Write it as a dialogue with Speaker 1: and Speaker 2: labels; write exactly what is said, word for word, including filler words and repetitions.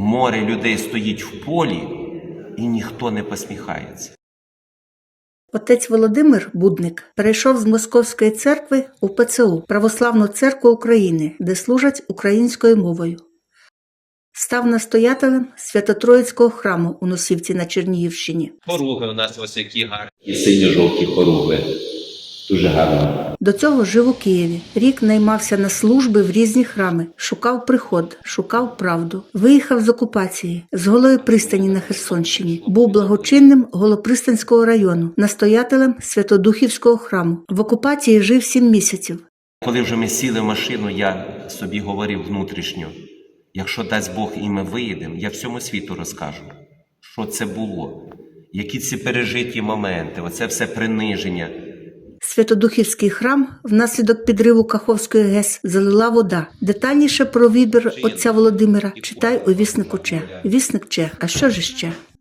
Speaker 1: море людей стоїть в полі, і ніхто не посміхається.
Speaker 2: Отець Володимир Будник перейшов з Московської церкви у Пе Це У – Православну церкву України, де служать українською мовою. Став настоятелем Свято-Троїцького храму у Носівці на Чернігівщині.
Speaker 3: Хоруги у нас ось які гарні.
Speaker 4: І синьо-жовті хоругви. Дуже гарно.
Speaker 2: До цього жив у Києві. Рік наймався на служби в різні храми. Шукав приход, шукав правду. Виїхав з окупації, з Голої пристані на Херсонщині. Був благочинним Голопристанського району, настоятелем Святодухівського храму. В окупації жив сім місяців.
Speaker 1: Коли вже ми сіли в машину, я собі говорив внутрішньо, якщо дасть Бог і ми виїдемо, я всьому світу розкажу, що це було, які ці пережиті моменти, оце все приниження.
Speaker 2: Святодухівський храм внаслідок підриву Каховської ГЕС залила вода. Детальніше про вибір отця Володимира читай у віснику Че. Вісник Че. А що ж ще?